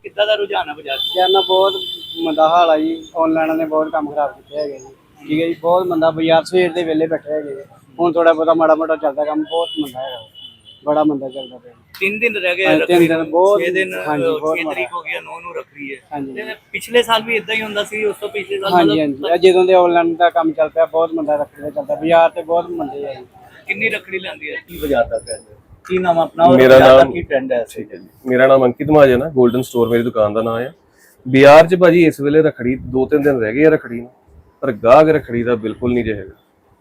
ਕਿੱਦਾਂ ਦਾ ਰੁਝਾਨ ਹੈ ਬਾਜ਼ਾਰ 'ਚ? ਯਾਰ ਨਾ ਬਹੁਤ ਮੰਦਾ ਹਾਲ ਆ ਜੀ। ਆਨਲਾਈਨ ਨੇ ਬਹੁਤ ਕੰਮ ਖਰਾਬ ਕੀਤੇ ਹੈਗੇ ਜੀ। ਠੀਕ ਹੈ ਜੀ, ਬਹੁਤ ਮੰਦਾ। ਬਾਜ਼ਾਰ ਸਵੇਰ ਦੇ ਵੇਲੇ ਬੈਠੇ ਹੈਗੇ ਜੀ। ਹੁਣ ਥੋੜਾ ਬਹੁਤਾ ਮਾੜਾ ਮੋਟਾ ਚੱਲਦਾ ਕੰਮ, ਬਹੁਤ ਮੰਦਾ ਹੈਗਾ, ਬੜਾ ਮੰਦਾ ਚੱਲਦਾ ਪਿਆ। 3 ਦਿਨ ਰਹਿ ਗਏ ਹਾਂਜੀ, ਰੱਖੜੀ 3 ਦਿਨ ਨੂੰ, ਬਹੁਤ। 6 ਦਿਨ, ਹਾਂਜੀ, ਬਹੁਤ 6 ਮਾੜਾ। ਤਰੀਕ ਹੋ ਗਿਆ, 9 ਨੂੰ ਰੱਖੜੀ ਹੈ। ਹਾਂਜੀ ਤੇ ਪਿਛਲੇ ਸਾਲ ਵੀ ਇਦਾਂ ਹੀ ਹੁੰਦਾ ਸੀ, ਉਸ ਤੋਂ ਪਿਛਲੇ ਸਾਲ ਹਾਂਜੀ ਹਾਂਜੀ, ਇਹ ਜਦੋਂ ਦੇ ਆਨਲਾਈਨ ਦਾ ਕੰਮ ਚੱਲ ਪਿਆ ਬਹੁਤ ਮੰਦਾ ਰੱਖੜੀ ਦਾ ਚੱਲਦਾ। ਬਾਜ਼ਾਰ ਤੇ ਬਹੁਤ ਮੰਦੇ ਆ ਜੀ। ਕਿੰਨੀ ਰੱਖੜੀ ਲੈਂਦੀ ਹੈ? ਕੀ ਬਾਜ਼ਾਰ ਦਾ ਟ੍ਰੈਂਡ ਹੈ? ਕੀ ਨਾਮ ਆਪਣਾ ਔਰ ਮੇਰਾ ਬਾਜ਼ਾਰ ਦਾ ਨਾਮ ਕੀ ਟ੍ਰੈਂਡ ਹੈ? ਠੀਕ ਹੈ ਜੀ, ਮੇਰਾ ਨਾਮ ਅੰਕਿਤ ਮਹਾਜਨ ਹੈ। 골ਡਨ ਸਟੋਰ ਮੇਰੀ ਦੁਕਾਨ ਦਾ ਨਾਮ ਹੈ। ਬਾਜ਼ਾਰ 'ਚ ਭਾਜੀ ਇਸ ਵੇਲੇ ਰੱਖੜੀ 2-3 ਦਿਨ ਰਹਿ ਗਏ ਆ ਰੱਖੜੀ ਨੂੰ, ਪਰ ਗਾਹਕ ਰੱਖੜੀ ਦਾ ਬਿਲਕੁਲ ਨਹੀਂ ਰਹੇਗਾ।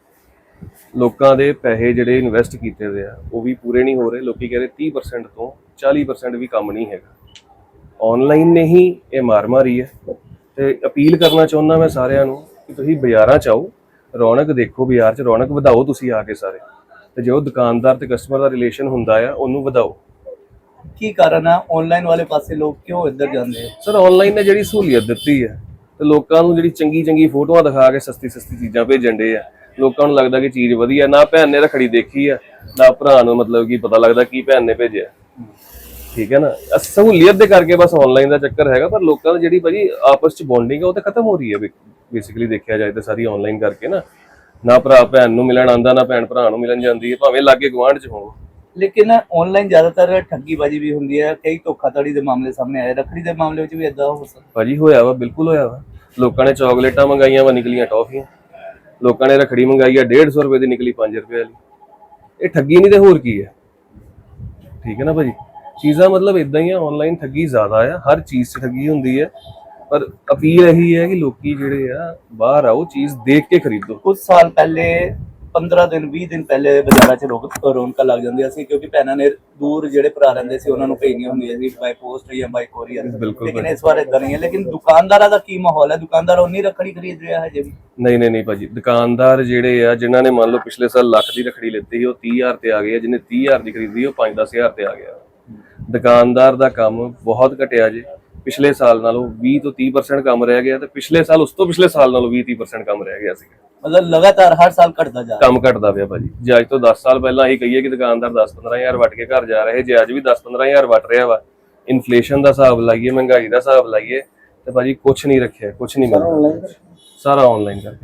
ਲੋਕਾਂ ਦੇ ਪੈਸੇ ਜਿਹੜੇ ਇਨਵੈਸਟ ਕੀਤੇ ਹੋਏ ਆ ਉਹ ਵੀ ਪੂਰੇ ਨਹੀਂ ਹੋ ਰਹੇ। ਲੋਕੀ ਕਹਿੰਦੇ 30% ਤੋਂ 40% ਵੀ ਕੰਮ ਨਹੀਂ ਹੈਗਾ। ਆਨਲਾਈਨ ਨੇ ਹੀ ਇਹ ਮਾਰ ਮਾਰੀ ਹੈ। ਤੇ ਅਪੀਲ ਕਰਨਾ ਚਾਹੁੰਦਾ ਮੈਂ ਸਾਰਿਆਂ ਨੂੰ ਕਿ ਤੁਸੀਂ ਬਾਜ਼ਾਰਾਂ 'ਚ ਆਓ, ਰੌਣਕ ਦੇਖੋ, ਬਾਜ਼ਾਰ 'ਚ ਰੌਣਕ ਵਧਾਓ ਤੁਸੀਂ ਆ ਕੇ ਸਾਰੇ। ਤੇ ਜੋ ਦੁਕਾਨਦਾਰ ਤੇ ਕਸਟਮਰ ਦਾ ਰਿਲੇਸ਼ਨ ਹੁੰਦਾ ਆ ਉਹਨੂੰ ਵਧਾਓ। ਕੀ ਕਾਰਨ ਹੈ ਆਨਲਾਈਨ ਵਾਲੇ ਪਾਸੇ ਲੋਕ ਕਿਉਂ ਇੱਧਰ ਜਾਂਦੇ ਹੈ? ਸਰ ਆਨਲਾਈਨ ਨੇ ਜਿਹੜੀ ਸਹੂਲੀਅਤ ਦਿੱਤੀ ਹੈ ਤੇ ਲੋਕਾਂ ਨੂੰ ਜਿਹੜੀ ਚੰਗੀ ਚੰਗੀ ਫੋਟੋਆਂ ਦਿਖਾ ਕੇ ਸਸਤੀ ਚੀਜ਼ਾਂ ਭੇਜਣ ਦੇ ਆ। ਲੋਕਾਂ ਨੂੰ ਲੱਗਦਾ ਕਿ ਚੀਜ਼ ਵਧੀਆ। ਨਾ ਭੈਣ ਨੇ ਰੱਖੜੀ ਦੇਖੀ ਆ, ਨਾ ਭਰਾ ਨੂੰ ਮਤਲਬ ਕਿ ਪਤਾ ਲੱਗਦਾ ਕੀ ਭੈਣ ਨੇ ਭੇਜਿਆ। ਠੀਕ ਹੈ ਨਾ, ਸਹੂਲੀਅਤ ਦੇ ਕਰਕੇ ਬਸ ਆਨਲਾਈਨ ਦਾ ਚੱਕਰ ਹੈਗਾ। ਪਰ ਲੋਕਾਂ ਦੀ ਜਿਹੜੀ ਭਾਜੀ ਆਪਸ ਚ ਬੌਂਡਿੰਗ ਹੈ ਉਹ ਤਾਂ ਖਤਮ ਹੋ ਰਹੀ ਹੈ ਬੇਸਿਕਲੀ ਦੇਖਿਆ ਜਾਏ ਤਾਂ ਸਾਰੀ ਆਨਲਾਈਨ ਕਰਕੇ ਨਾ ਭਰਾ ਭੈਣ ਨੂੰ ਮਿਲਣ ਆਉਂਦਾ, ਨਾ ਭੈਣ ਭਰਾ ਨੂੰ ਮਿਲਣ ਜਾਂਦੀ ਹੈ, ਭਾਵੇਂ ਲਾਗੇ ਗੁਆਂਢ ਚ ਹੋਣ। ਲੇਕਿਨ ਆਨਲਾਈਨ ਜ਼ਿਆਦਾਤਰ ਠੱਗੀਬਾਜ਼ੀ ਵੀ ਹੁੰਦੀ ਹੈ, ਕਈ ਧੋਖਾਧੜੀ ਦੇ ਮਾਮਲੇ ਸਾਹਮਣੇ ਆਏ। ਰੱਖੜੀ ਦੇ ਮਾਮਲੇ ਵਿੱਚ ਵੀ ਇਦਾਂ ਹੋ ਸਕਦਾ? ਭਾਜੀ ਹੋਇਆ ਵਾ, ਬਿਲਕੁਲ ਹੋਇਆ ਵਾ। ਲੋਕਾਂ ਨੇ ਚਾਕਲੇਟਾਂ ਮੰਗਾਈਆਂ ਵਾ, ਨਿਕਲੀਆਂ ਟੌਫੀਆਂ। ਲੋਕਾਂ ਨੇ ਰੱਖੜੀ ਮੰਗਾਈ ਆ 150 ਰੁਪਏ ਦੀ, ਨਿਕਲੀ 5 ਰੁਪਏ ਵਾਲੀ। ਇਹ ਠੱਗੀ ਨਹੀਂ ਤੇ ਹੋਰ ਕੀ ਹੈ? ਠੀਕ ਹੈ ਨਾ ਭਾਜੀ, ਚੀਜ਼ਾਂ ਮਤਲਬ ਇਦਾਂ ਹੀ ਆ। ਆਨਲਾਈਨ ਠੱਗੀ ਜ਼ਿਆਦਾ ਆ, ਹਰ ਚੀਜ਼ 'ਚ ਠੱਗੀ ਹੁੰਦੀ ਹੈ। ਪਰ ਅਪੀਲ ਇਹੀ ਹੈ ਕਿ ਲੋਕੀ ਜਿਹੜੇ ਆ ਬਾਹਰ ਆਓ, ਚੀਜ਼ ਦੇਖ ਕੇ ਖਰੀਦੋ। ਕੁਝ ਸਾਲ ਪਹਿਲੇ 15 ਦਿਨ 20 ਦਿਨ ਪਹਿਲੇ ਬਾਜ਼ਾਰਾਂ 'ਚ ਰੌਣਕਾਂ ਲੱਗ ਜਾਂਦੀਆਂ ਸੀ, ਕਿਉਂਕਿ ਭੈਣਾਂ ਨੇ ਦੂਰ ਜਿਹੜੇ ਭਰਾ ਰਹਿੰਦੇ ਸੀ ਉਹਨਾਂ ਨੂੰ ਭੇਜਣੀਆਂ ਹੁੰਦੀਆਂ ਸੀ ਬਾਈ ਪੋਸਟ ਜਾਂ ਬਾਈ ਕੋਰੀਅਰ। ਲੇਕਿਨ ਇਸ ਵਾਰ ਇਦਾਂ ਨਹੀਂ ਹੈ। ਲੇਕਿਨ ਦੁਕਾਨਦਾਰਾਂ ਦਾ ਕੀ ਮਾਹੌਲ ਹੈ? ਦੁਕਾਨਦਾਰ ਉਨੀ ਰੱਖੜੀ ਖਰੀਦ ਰਿਹਾ ਹੈ ਹਜੇ ਵੀ? ਨਹੀਂ ਭਾਜੀ, ਦੁਕਾਨਦਾਰ ਜਿਹੜੇ ਆ ਜਿਨ੍ਹਾਂ ਨੇ ਮੰਨ ਲਓ ਪਿਛਲੇ ਸਾਲ ਲੱਖ ਦੀ ਰੱਖੜੀ ਲਿੱਤੀ ਸੀ ਉਹ 30,000 ਤੇ ਆ ਗਏ ਆ। ਜਿਹਨੇ 30,000 ਦੀ ਖਰੀਦੀ ਉਹ 5-10,000 ਤੇ ਆ ਗਿਆ। ਦੁਕਾਨਦਾਰ ਦਾ ਕੰਮ ਬਹੁਤ ਘਟਿਆ ਜੇ। ਪਿਛਲੇ ਸਾਲ ਨਾਲੋਂ 20 ਤੋਂ 30% ਕੰਮ ਰਹਿ ਗਿਆ ਤੇ ਪਿਛਲੇ ਸਾਲ ਉਸ ਤੋਂ ਪਿਛਲੇ ਸਾਲ ਨਾਲੋਂ 20-30% ਕੰਮ ਰਹਿ ਗਿਆ ਸੀ। ਮਤਲਬ ਲਗਾਤਾਰ ਹਰ ਸਾਲ ਘਟਦਾ ਜਾ ਰਿਹਾ ਕੰਮ ਘਟਦਾ ਪਿਆ ਭਾਜੀ। ਜੇ ਅੱਜ ਤੋਂ 10 ਸਾਲ ਪਹਿਲਾਂ ਅਸੀਂ ਕਹੀਏ ਕਿ ਦੁਕਾਨਦਾਰ 10-15,000 ਵੱਟ ਕੇ ਘਰ ਜਾ ਰਹੇ, ਜੇ ਅੱਜ ਵੀ 10-15,000 ਵੱਟ ਰਿਹਾ ਵਾ, ਇਨਫਲੇਸ਼ਨ ਦਾ ਹਿਸਾਬ ਲਾਈਏ, ਮਹਿੰਗਾਈ ਦਾ ਹਿਸਾਬ ਲਾਈਏ ਤੇ ਭਾਜੀ ਕੁਛ ਨਹੀਂ ਰੱਖਿਆ, ਕੁਛ ਨਹੀਂ ਮਿਲਦਾ। ਸਾਰਾ ਆਨਲਾਈਨ ਕਰਕੇ